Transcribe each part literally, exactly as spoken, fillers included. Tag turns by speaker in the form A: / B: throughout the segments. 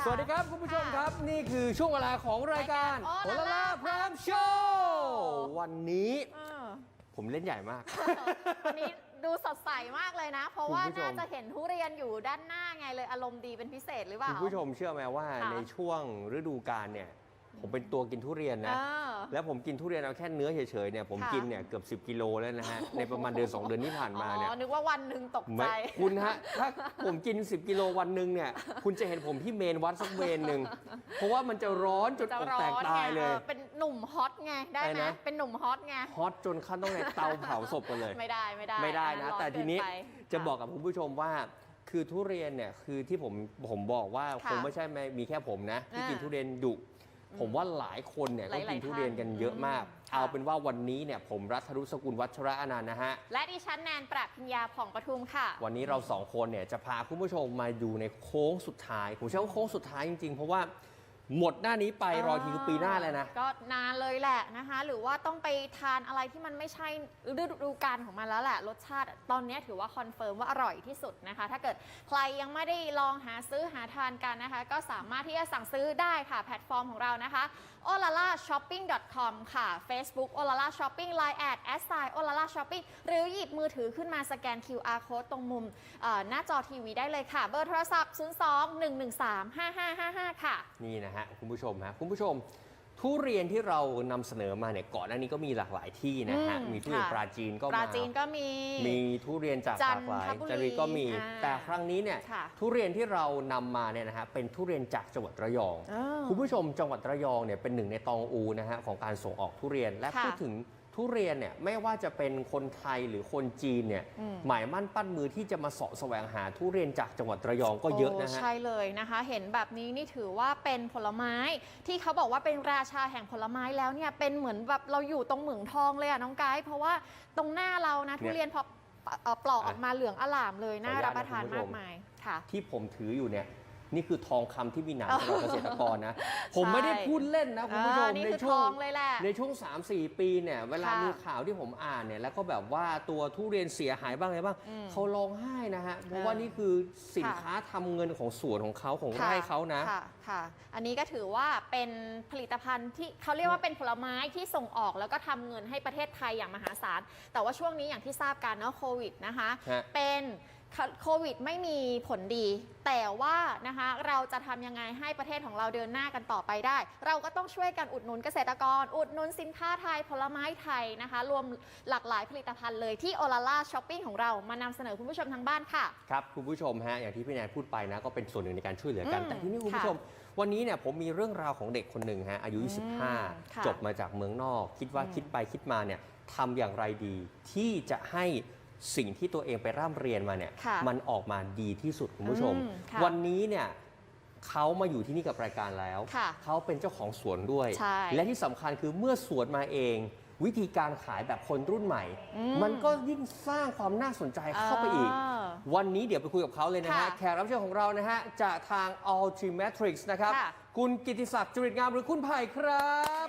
A: สวัสดีครับคุณผู้ชมครับนี่คือช่วงเวลาของรายการโอลาล่าพรามโชว์วันนี้ผมเล่นใหญ่มาก
B: วันนี้ดูสดใสมากเลยนะ เพราะว่าน่าจะเห็นทุเรียนอยู่ด้านหน้าไงเลยอารมณ์ดีเป็นพิเศษหรือเปล่า
A: คุณผู้ชมเชื่อไหมว่าในช่วงฤดูกาลเนี่ยผมเป็นตัวกินทุเรียนนะแล้วผมกินทุเรียนเอาแค่เนื้อเฉยๆเนี่ยผมกินเนี่ยเกือบสิบกิโลแล้วนะฮะในประมาณเดือนสองเดือนที่ผ่านมาเนี่ย
B: นึกว่าวันหนึ่งตกใจ
A: คุณฮะถ้าผมกินสิบกิโลวันหนึ่งเนี่ยคุณจะเห็นผมที่เมนวัดสักเมนหนึ่งเพราะว่ามันจะร้อนจนอกแตกตายเลย
B: เป็นหนุ่มฮอตไงได้ไหมเป็นหนุ่มฮอตไง
A: ฮอตจนขั้นต้องในเตาเผาศพกันเลย
B: ไม่ได้ไม่ได้
A: ไม่ได้นะแต่ทีนี้จะบอกกับคุณผู้ชมว่าคือทุเรียนเนี่ยคือที่ผมผมบอกว่าคงไม่ใช่มีแค่ผมนะที่กินทุเรียนดุผมว่าหลายคนเนี่ยก็กินทุเรียนกันเยอะมากเอาเป็นว่าวันนี้เนี่ยผมรัฐรุสกุลวัชระอนันต์นะฮะ
B: และดิฉันแนนปรัชญาผ่องปทุมค่ะ
A: วันนี้เราสองคนเนี่ยจะพาคุณผู้ชมมาดูในโค้งสุดท้ายผมเชื่อว่าโค้งสุดท้ายจริงๆเพราะว่าหมดหน้านี้ไปรอทีคือปีหน้าเลยนะ
B: ก็นานเลยแหละนะคะหรือว่าต้องไปทานอะไรที่มันไม่ใช่ฤดูกาลของมันแล้วแหละรสชาติตอนนี้ถือว่าคอนเฟิร์มว่าอร่อยที่สุดนะคะถ้าเกิดใครยังไม่ได้ลองหาซื้อหาทานกันนะคะก็สามารถที่จะสั่งซื้อได้ค่ะแพลตฟอร์มของเรานะคะ โอ แอล แอล เอ ช็อปปิ้ง ดอท คอม ค่ะ Facebook โอ แอล แอล เอ Shopping ไลน์ แอด แอด ไซน์ โอ แอล แอล เอ Shopping หรือหยิบมือถือขึ้นมาสแกน คิว อาร์ Code ตรงมุมหน้าจอทีวีได้เลยค่ะเบอร์โทรศัพท์ ศูนย์ สอง หนึ่ง หนึ่ง สาม ห้า ห้า ห้า ห้า ค่ะ
A: นี่นะฮะคุณผู้ชมฮะคุณผู้ชมทุเรียนที่เรานำเสนอมาเนี่ยก่อนหน้านี้ก็มีหลากหลายที่นะฮะมีทุเรียนปราจีนก็มา
B: ปราจีนก็มี
A: มีทุเรียนจากหลากหลายจันทบุรีก็มีแต่ครั้งนี้เนี่ยทุเรียนที่เรานำมาเนี่ยนะฮะเป็นทุเรียนจากจังหวัดระยองคุณผู้ชมจังหวัดระยองเนี่ยเป็นหนึ่งในตองอูนะฮะของการส่งออกทุเรียนและพูดถึงทุเรียนเนี่ยไม่ว่าจะเป็นคนไทยหรือคนจีนเนี่ยหมายมั่นปั้นมือที่จะมาเสาะแสวงหาทุเรียนจากจังหวัดระยองก็เยอะนะฮะ
B: ใช่เลยนะคะเห็นแบบนี้นี่ถือว่าเป็นผลไม้ที่เขาบอกว่าเป็นราชาแห่งผลไม้แล้วเนี่ยเป็นเหมือนแบบเราอยู่ตรงเหมืองทองเลยอะน้องไกด์เพราะว่าตรงหน้าเรานะทุเรียนพอปลอกออกมาเหลืองอลามเลยน่ารับประทานมากมายค่ะ
A: ที่ผมถืออยู่เนี่ยนี่คือทองคำที่มีหนามสำหรับเกษตรกรนะผมไม่ได้พูดเล่นนะคุณผู้ชมในช่วงในช่วง สามสี่ ปีเนี่ยเวลามีข่าวที่ผมอ่านเนี่ยแล้วก็แบบว่าตัวทุเรียนเสียหายบ้างอะไรบ้างเขาร้องไห้นะฮะเพราะว่านี่คือสินค้าทำเงินของสวนของเขาของไร่เขานะ
B: ค่ะค่ะอันนี้ก็ถือว่าเป็นผลิตภัณฑ์ที่เขาเรียกว่าเป็นผลไม้ที่ส่งออกแล้วก็ทำเงินให้ประเทศไทยอย่างมหาศาลแต่ว่าช่วงนี้อย่างที่ทราบกันเนาะโควิดนะคะเป็นโควิดไม่มีผลดีแต่ว่านะคะเราจะทำยังไงให้ประเทศของเราเดินหน้ากันต่อไปได้เราก็ต้องช่วยกันอุดหนุนเกษตรกรอุดหนุนสินค้าไทยผลไม้ไทยนะคะรวมหลากหลายผลิตภัณฑ์เลยที่โอลาล่าช้อปปิ้งของเรามานำเสนอคุณผู้ชมทางบ้านค่ะ
A: ครับคุณผู้ชมฮะอย่างที่พี่แนนพูดไปนะก็เป็นส่วนหนึ่งในการช่วยเหลือกันแต่ที่นี่คุณผู้ชมวันนี้เนี่ยผมมีเรื่องราวของเด็กคนหนึ่งฮะอายุยี่สิบห้าจบมาจากเมืองนอกคิดว่าคิดไปคิดมาเนี่ยทำอย่างไรดีที่จะให้สิ่งที่ตัวเองไปร่ำเรียนมาเนี่ยมันออกมาดีที่สุดคุณผู้ชมวันนี้เนี่ยเขามาอยู่ที่นี่กับรายการแล้วเขาเป็นเจ้าของสวนด้วยและที่สำคัญคือเมื่อสวนมาเองวิธีการขายแบบคนรุ่นใหม่มันก็ยิ่งสร้างความน่าสนใจเข้าไปอีกวันนี้เดี๋ยวไปคุยกับเขาเลยนะฮะแขกรับเชิญของเรานะฮะจากทาง Ultimatrix นะครับคุณกิติศักดิ์จริตงามหรือคุณไผ่ครับ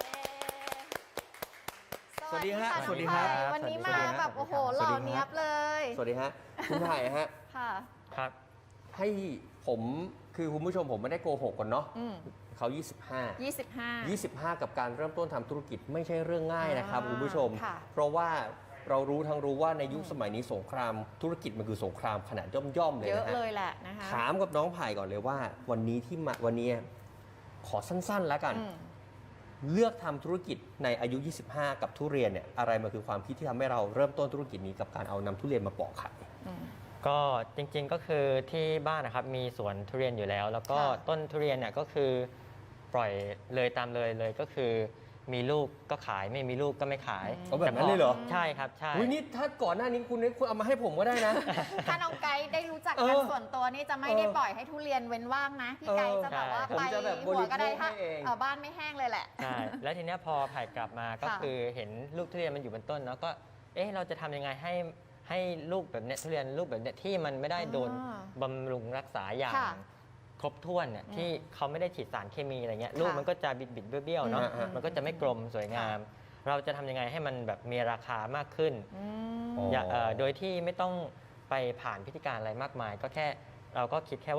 B: สวัสดีฮะสวัสดีครับวันนี้มาแบบโอ้โหหล่อเนียบเลย
A: สวัสดีฮะคุณไผ่ฮะ
B: ค่ะ
C: ครับ
A: ให้ผมคือคุณผู้ชมผมไม่ได้โกหกกันเนาะเขายี่สิบห้า
B: ยี่สิบห้า
A: ยี่สิบห้ากับการเริ่มต้นทำธุรกิจไม่ใช่เรื่องง่ายนะครับคุณผู้ชมเพราะว่าเรารู้ทั้งรู้ว่าในยุคสมัยนี้สงครามธุรกิจมันคือสงครามขนาดย่อมๆเลยนะฮะ
B: เยอะเลยแหละนะคะ
A: ถามกับน้องไผ่ก่อนเลยว่าวันนี้ที่มาวันนี้ขอสั้นๆแล้วกันเลือกทำธุรกิจในอายุ ยี่สิบห้า กับทุเรียนเนี่ยอะไรมันคือความคิดที่ทำให้เราเริ่มต้นธุรกิจนี้กับการเอานำทุเรียนมาปอกขาย
C: ก็จริงๆก็คือที่บ้านนะครับมีสวนทุเรียนอยู่แล้วแล้วก็ต้นทุเรียนเนี่ยก็คือปล่อยเลยตามเลยเลยก็คือมีลูกก็ขายไม่มีลูกก็ไม่ขาย
A: เอาแบบนั้นเลยเหรอ
C: ใช่ครับใช่
A: วินี่ถ้าก่อนหน้านี้คุณคุณเอามาให้ผมก็ได้นะ
B: ถ้าน้องไกด์ได้รู้จักกันส่วนตัวนี่จะไม่ได้ปล่อยให้ทุเรียนเว้นว่างนะพี่ไกด์จะแบบว่าไปหัวก็ได้ถ้าบ้านไม่แห้งเลยแหละ
C: ใช่แล้วทีนี้พอไผ่กลับมาก็คือเห็นลูกทุเรียนมันอยู่บนต้นแล้วก็เอ๊ะเราจะทำยังไงให้ให้ลูกแบบเนี้ยทุเรียนลูกแบบเนี้ยที่มันไม่ได้โดนบำรุงรักษาอย่างครบถ้วนเนี่ยที่เขาไม่ได้ฉีดสารเคมีอะไรเงี้ยลูกมันก็จะบิดบิดเบี้ยวๆเนาะมันก็จะไม่กลมสวยงามเราจะทำยังไงให้มันแบบมีราคามากขึ้นโดยที่ไม่ต้องไปผ่านพิธีการอะไรมากมายก็แค่เราก็คิดแค่ว่า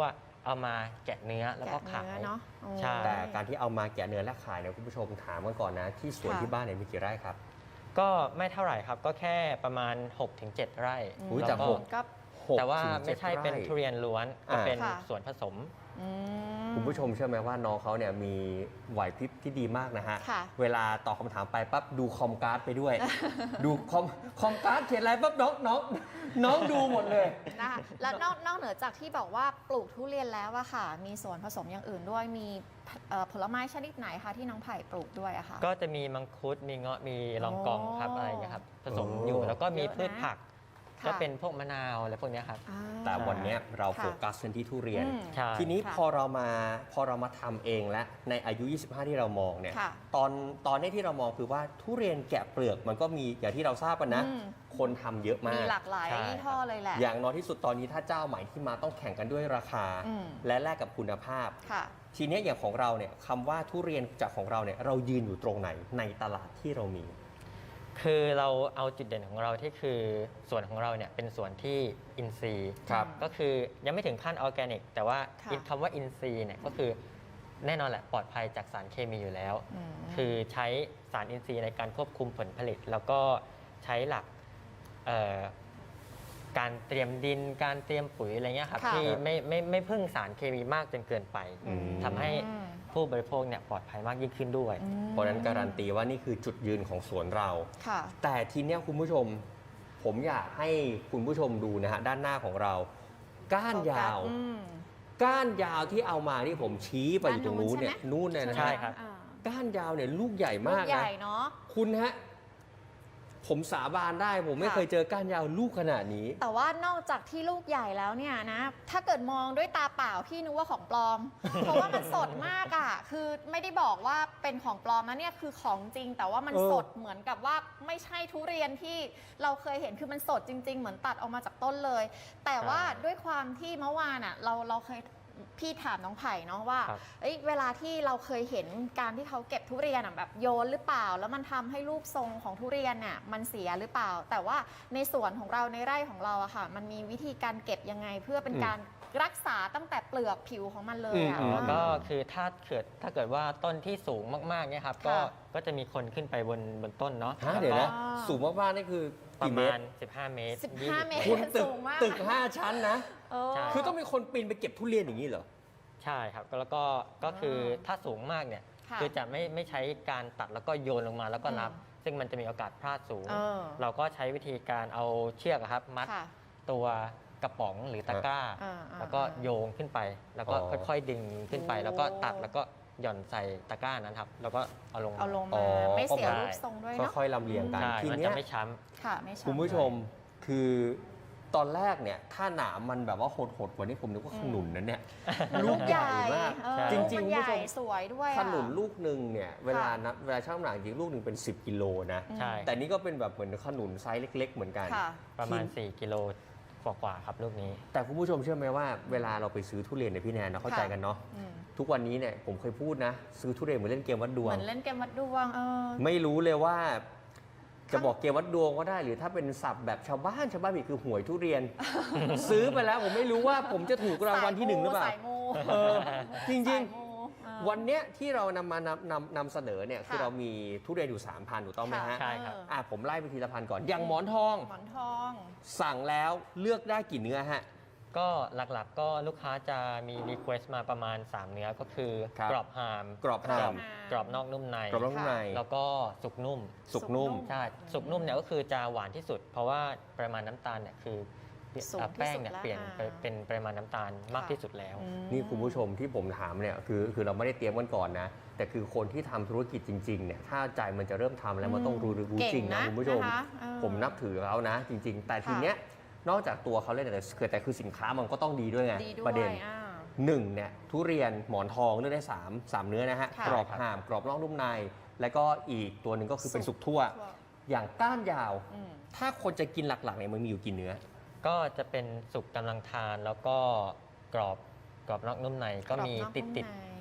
C: เอามาแกะเนื้อแล้วก็
B: แกะ
C: ขาย
B: เนื้อเนาะโอ้
C: ใช่
A: แต่การที่เอามาแกะเนื้อและขายเนี่ยคุณผู้ชมถามกันก่อนนะที่สวน
B: ค่ะ
A: ที่บ้านเนี่ยมีกี่ไร่ครับ
C: ก็ไม่เท่าไหร่ครับก็แค่ประมาณ หกถึงเจ็ด ไร่
A: อุ๊ย
C: แล้ว
A: แต่
C: ก็
A: หก
B: ก็
A: หก
C: แต่ว่า
A: ถึง
C: ไม่
A: จ็ด
C: ใช่เป็น
A: ไร่
C: ทุเรียนล้วนก็
A: อ่า
C: เป็น
B: ค่ะ
C: ส่วนผสม
B: อืม
A: คุณผู้ชมเชื่อไหมว่าน้องเขาเนี่ยมีไหวพริบที่ดีมากนะฮะ
B: ค่ะ
A: เวลาตอบคำถามไปปั๊บดูคอมการ์ดไปด้วย ดูคอมคอมการ์ดเขียนอะไรปั๊บน้องน้องน้องดูหมดเลย
B: นะคะแล้วนอกนอกเหนือจากที่บอกว่าปลูกทุเรียนแล้วอะค่ะ มีส่วนผสมอย่างอื่นด้วยมีเอ่อผลไม้ชนิดไหนคะที่น้องไผ่ปลูกด้วยอะค่ะ
C: ก็จะมีมังคุดมีเงาะมีลองกองครับ
B: โอ้
C: อะไรอย่างเงี้ยครับผสม
A: โอ้
C: อยู่แล้วก็มี
B: เยอะนะ
C: พืชผัก
B: ค่ะ
C: ก็เป็นพวกมะนาวอะไรพวกเนี้ยครับ
B: อ่า
A: แต่วันเนี้ยเรา
B: ค่ะ
A: โฟกัสกันที่ทุเรียน
B: อืม
C: ใช่
A: ทีนี้
B: ค่ะ
A: พอเรามาพอเรามาทำเองและในอายุ ยี่สิบห้า ที่เรามองเนี่ย
B: ค่ะ
A: ตอนตอนนี้ที่เรามองคือว่าทุเรียนแกะเปลือกมันก็มีอย่างที่เราทราบกันนะ
B: อืม
A: คนทำเยอะมา
B: มี
A: ก
B: หลากหลาย
C: ใช่
B: ยี่ห้อเลยแหละ
A: อย่างน้อยที่สุดตอนนี้ถ้าเจ้าใหม่ที่มาต้องแข่งกันด้วยราคา
B: อืม
A: และแลกกับคุณภาพ
B: ค่ะ
A: ทีเนี้ยอย่างของเราเนี่ยคำว่าทุเรียนจากของเราเนี่ยเรายืนอยู่ตรงไหนในตลาดที่เรามี
C: คือเราเอาจุดเด่นของเราที่คือส่วนของเราเนี่ยเป็นส่วนที่อินทรีย์
A: ครับ
C: ก็คือยังไม่ถึงขั้นออร์แกนิก แต่ว่า
B: ค่ะ
C: คำว่าอินทรีย์เนี่ยก็คือแน่นอนแหละปลอดภัยจากสารเคมีอยู่แล้ว
B: อืม
C: คือใช้สารอินทรีย์ในการควบคุมผลผลิต แล้วก็ใช้หลักเอ่อการเตรียมดิน การเตรียมปุ๋ยอะไรเงี้ยครับ
B: ค่ะ
C: ที่ไม่ไม่ไม่พึ่งสารเคมีมากจนเกินไป
A: อืม
C: ทำให้
B: อืม
C: ผู้บริโภคเนี่ยปลอดภัยมากยิ่งขึ้นด้วย
B: อืม
A: เพราะฉะนั้นการันตีว่านี่คือจุดยืนของสวนเรา
B: ค่ะ
A: แต่ทีเนี้ยคุณผู้ชม ผมอยากให้คุณผู้ชมดูนะฮะด้านหน้าของเรา ก้านยาว
B: อืม
A: ก้านยาวที่เอามาที่ผมชี้ไปอยู่ตรงนู้นเนี่ย
B: ด้าน
A: นู่นเนี่ยนะ
C: ใช่
A: ฮะ
C: ครับ
B: อ่า
A: ก้านยาวเนี่ยลูกใหญ่
B: ลู
A: มาก
B: กให
A: นะ
B: ญ่เนาะ
A: คุณฮะผมสาบานได้ผมไม่
B: ค่ะ
A: เคยเจอก้านยาวลูกขนาดนี้
B: แต่ว่านอกจากที่ลูกใหญ่แล้วเนี่ยนะ ถ้าเกิดมองด้วยตาเปล่าพี่นึกว่าของปลอม เพราะว่ามันสดมากอ่ะ คือไม่ได้บอกว่าเป็นของปลอมนะเนี่ยคือของจริง แต่ว่ามัน
A: เออ
B: สดเหมือนกับว่าไม่ใช่ทุเรียนที่เราเคยเห็นคือมันสดจริง ๆ เหมือนตัดออกมาจากต้นเลย แต่ว่าด้วยความที่เมื่อวานอ่ะเราเราเคยพี่ถามน้องไผ่เนาะว่า
C: ครับ
B: เอ้ยเวลาที่เราเคยเห็นการที่เขาเก็บทุเรียนอะแบบโยนหรือเปล่า แล้วมันทำให้รูปทรงของทุเรียนเนี่ยมันเสียหรือเปล่า แต่ว่าในสวนของเราในไร่ของเราอะค่ะ มันมีวิธีการเก็บยังไง เพื่อเป็น
A: อืม
B: การรักษาตั้งแต่เปลือกผิวของมันเลยอะ
A: อืม
C: อ๋อก็คือถ้าเกิดถ้าเกิดว่าต้นที่สูงมากๆเนี่ยครับก็
B: ค่ะ
C: ก็จะมีคนขึ้นไปบนบนต้นเนาะ
A: ฮะ
C: แล้ว
A: เดี๋ยว
C: ก็
A: นะ สูงมากๆนี่คือ
C: ประ
A: กี่เม
C: มา
A: ต
C: ณ
A: ร
C: สิบห้า เมตร
B: สิบห้า
C: ยี่
B: เมตร
A: คุณตึก
B: สูงมาก
A: ตึกห้าชั้นนะ
B: เออ
C: ใช่
A: คือต้องมีคนปีนไปเก็บทุเรียนอย่างนี้เหรอ
C: ใช่ครับแล้วก็ก็คือถ้าสูงมากเนี่ย
B: ค่ะ
C: คือจะไม่ไม่ใช้การตัดแล้วก็โยนลงมาแล้วก็นับ
B: อืม
C: ซึ่งมันจะมีโอกาสพลาดสูง
B: เออ
C: เราก็ใช้วิธีการเอาเชือกอะครับมัด
B: ค่ะ
C: ตัวกระป๋องหรือตะกร้า
B: อ่าอ่า
C: แล้วก็โยงขึ้นไป แล้วก็
A: อ๋อ
C: ค่อยๆดึงขึ้นไป
B: โอ้
C: แล้วก็ตัดแล้วก็หย่อนใส่ตะกร้านั้นครับแล้วก็เอาลง
B: เอาลง
A: อ๋
B: มา
A: อ
B: ไม่เสีย
C: ก็ได้
B: รูปทรงด้วยเนาะ
A: ค่อยๆลำเลียงกัน
C: ใช่
A: ที
C: มัน
A: เนี้
C: จะ
A: ย
C: ไม่ช้
B: ค่ะไม่ใช่
A: คุณผู้ชมคือตอนแรกเนี่ยถ้าหนามมันแบบว่าโหดๆกว่านี้ผมนึกว่าขนุนนั้นเนี่ย
B: ลูกใหญ่
A: มาก
B: เออ
A: จ
B: ลูก
A: ริง
B: มัน
A: ๆคุณ
B: ให
A: ผู้
B: ญ่
A: ชม
B: สวยด้วยอะ
A: ขนุนลูกหนึ่งเนี่ยเวลานับเวลาช่างน้ำหนักจริงลูกหนึ่งเป็น สิบกิโลนะ
C: ำใช่
A: แต่นี่ก็เป็นแบบเหมือนขนุนไซส์เล็ก ๆ เหมือนกัน
B: ค่ะ
C: ประมาณ
A: ที่
C: สี่กิโลกว่าๆครับลูกนี้
A: แต่คุณผู้ชมเชื่อไหมว่าเวลาเราไปซื้อทุเรียนในยพี่แนนเราเข้าใจกันเนาะ
B: อืม
A: ทุกวันนี้เนี่ยผมเคยพูดนะ ซื้อทุเรียนเหมือนเล่นเกมวัดดว
B: เห
A: ง
B: มือนเล่นเกมวัดดวงเออ
A: ไม่รู้เลยว่า จะบอกเกมวัดดวงก็ได้ หรือถ้าเป็นศัพท์แบบชาวบ้านชาวบ้านผิดคือหวยทุเรียน ซื้อไปแล้วผมไม่รู้ว่าผมจะถูกรางวัลที่หนึ่งหรือเปล่า
B: สายมู
A: เออจริง
B: สายมูเออ
A: ๆ วันเนี้ยที่เรานำมานำนำนำเสนอเนี่ยคือ
B: ค่ะ
A: เรามีทุเรียนอยู่ 3 พันถูกต้องไหมฮะ
C: ใช่ครับ
B: เออ
A: อ่ะผมไล่ไปทีละพันก่อน อย่างหมอนทอง
B: หมอนทอง
A: สั่งแล้วเลือกได้กี่เนื้อฮะ
C: ก็หลักๆก็ลูกค้าจะมีรีเควสต์มาประมาณ สาม เนื้อก็คือ
A: ครับ
C: กรอบฮาม
A: กรอบฮาม
C: กรอบนอกนุ่มใน
A: กรอบนอกนุ่มใน
C: แล้วก็สุกนุ่ม
A: สุกนุ่ม
C: ใช่สุกนุ่มเนี่ยก็คือจะหวานที่สุด เพราะว่าปริมาณน้ำตาลเนี่ยคือ
B: สูงที่สุด
C: แป้งเนี่ย
B: แล้ว
C: เปลี่ยนไป
B: อ่า
C: เป็นปริมาณน้ำตาลมากที่สุดแล้ว
B: อืม
A: นี่คุณผู้ชมที่ผมถามเนี่ยคือคือเราไม่ได้เตรียมกันก่อนนะ แต่คือคนที่ทำธุรกิจจริงๆเนี่ยถ้าใจมันจะเริ่มทำแล้วมันต้องรู้รู้จริงนะ
B: เก่งนะ
A: คุณผู้ชม
B: นะคะเออ
A: ผมนับถือเขานะ จริง ๆ แต่ที
B: ค่ะ
A: เนี้ยนอกจากตัวเขาเล่นแต่คือแต่คือสินค้ามันก็ต้องดีด้วยไง
B: ดีด้ว
A: ประเด็น
B: ยอ่า
A: หนึ่งเนี่ยทุเรียนหมอนทองเลือกได้สามสามเนื้อนะฮะ
B: ค่ะ
A: กรอบห่ามกรอบนอกนุ่มใน แล้วก็อีกตัวหนึ่งก็คือเป็นสุกทั่ว
B: ทั่ว
A: อย่างก้านยาว
B: อืม
A: ถ้าคนจะกินหลักๆเนี่ยมันมีอยู่กี่เนื้อ
C: ก็จะเป็นสุกกำลังทานแล้วก็กรอบกรอบนอกนุ่มในก็มี
B: กรอบนอก
C: ติด
B: นุ่ม
C: ติด
B: ใน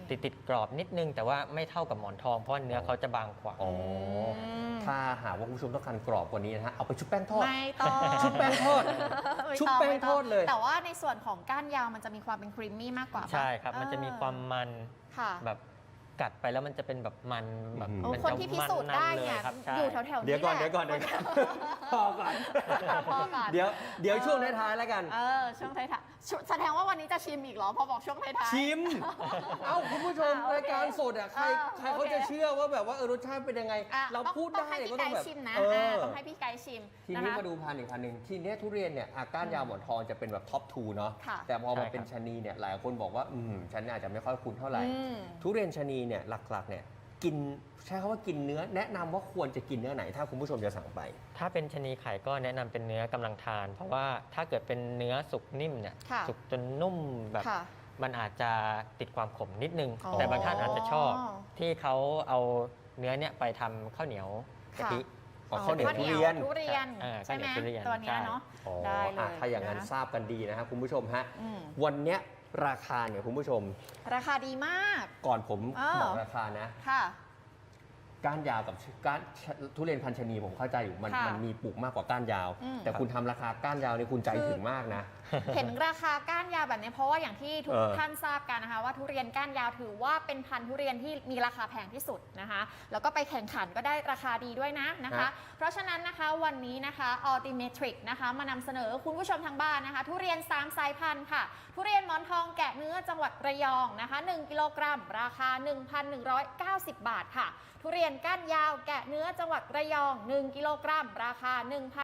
C: ติดติดกรอบนิดนึงแต่ว่าไม่เท่ากับหมอนทองเพราะเนื้อเขาจะบางกว่า
A: อ๋อ
B: ม
A: ถ้าหากว่าคุณผู้ชมต้องการกรอบกว่านี้นะฮะเอาไปชุบแป้งทอด
B: ไม่ต้อง
A: ชุบแป้งทอด
B: ไม่
A: ชุบ
B: ต้อง
A: แป้ง
B: ไม่
A: ท
B: ต้
A: อดเลย
B: แต่ว่าในส่วนของก้านยาวมันจะมีความเป็นครีมมี่มากกว่าปะ
C: ใช่ครับ มันจะมีความมัน
B: ค่ะ
C: แบบกัดไปแล้วมันจะเป็นแบบมันแบบ
A: อืม
B: โอ้
C: มั
B: คนที่พิสูจน์ได้เนี่ย
C: มัๆลครับใช่
B: อยู่แถวๆนี้
A: เดี๋ยวก่อน
B: แหละ
A: เดี๋ยวก่อนเดี๋ยวก่อนพอก่อน
B: พอก่อน
A: เดี๋ยวเดี๋ยวช่วงท้ายๆแล้วกัน
B: เออช่วงท้ายๆชุแสดงว่าวันนี้จะชิมอีกเหรอพอบอกช่วงท้ายๆ
A: ชิม เอ้าคุณผู้ชม
B: อ่ะโอเค
A: รายการสดอ่ะใคร
B: เออ
A: ใครเขา
B: โอเค
A: จะเชื่อว่าแบบว่าเออรสชาติเป็นยังไง
B: อ่ะ
A: เรา
B: ต้อง
A: พูด
B: ต้อง
A: ได้
B: ให้
A: เนี่ย
B: พี่
A: ก็
B: ไก่
A: ต้องแบบ
B: ชิมนะ
A: เออ
B: ต้องให้พี่ไก่ชิม
A: ที
B: นะ
A: นี้
B: คะ
A: มาดูพันธุ์อีกพันธุ์หนึ่งทีเนี้ยทุเรียนเนี่ยอ่ะก้านยาวหมอนทองจะเป็นแบบท็อปทูเนาะ
B: ค่ะ
A: แต่พอมา
C: ใช่ครับ
A: เป็นชะนีเนี่ยหลายคนบอกว่าอืมฉันอาจจะไม่ค่อยคุ้นเท่าไหร่
B: อืม
A: ทุเรียนชะนีเนี่ยหลักๆเนี่ยกินใช้คำว่ากินเนื้อแนะนำว่าควรจะกินเนื้อไหนถ้าคุณผู้ชมจะสั่งไป
C: ถ้าเป็นชะนีไข่ก็แนะนำเป็นเนื้อกำลังทาน เพราะว่าถ้าเกิดเป็นเนื้อสุกนิ่มเนี่ย
B: ค่ะ
C: สุกจนนุ่มแบบ
B: ค่ะ
C: มันอาจจะติดความขมนิดนึง
B: อ๋อ
C: แต่บางท่านอาจจะชอบที่เขาเอาเนื้อเนี่ยไปทำข้าวเหนียวกะทิ
A: อ๋อข้าวเหนียวทุเรียน
B: ทุเรียน
C: เออ
B: ใช่ไหม
C: ข้าวเหนียวทุเรียน
B: ตัวเนี้ย
C: ใช่
B: เนาะ
A: อ๋อ
B: ได้เลย
A: อ่ะถ้าอย่างนั้น
B: นะ
A: ทราบกันดีนะครับคุณผู้ชมฮะ
B: อืม
A: วันเนี้ยราคาเนี่ยคุณผู้ชม
B: ราคาดีมาก
A: ก่อนผม
B: อ้าว
A: บอกราคานะ
B: ค่ะ
A: ก้านยาวกับก้านทุเรียนพันชนีผมเข้าใจอยู่มัน
B: ค่ะ
A: มันมีปลูกมากกว่าก้านยาว
B: อืม
A: แต่คุณทำราคาก้านยาวนี่คุณใจถึงมากนะ
B: เห็นราคาก้านยาวแบบนี้เพราะว่าอย่างที่ทุก
A: เออ
B: ท่านทราบกันนะคะว่าทุเรียนก้านยาวถือว่าเป็นพันธุ์ทุเรียนที่มีราคาแพงที่สุดนะคะแล้วก็ไปแข่งขันก็ได้ราคาดีด้วยนะนะคะ เพราะฉะนั้นนะคะวันนี้นะคะ Ultimatrix นะคะมานำเสนอคุณผู้ชมทางบ้านนะคะ ทุเรียนสามสายพันธุ์ค่ะ ทุเรียนหมอนทองแกะเนื้อจังหวัดระยองนะคะหนึ่งกิโลกรัมราคา หนึ่งพันหนึ่งร้อยเก้าสิบ บาทค่ะ ทุเรียนก้านยาวแกะเนื้อจังหวัดระยองหนึ่งกิโลกรัมราคา หนึ่งพัน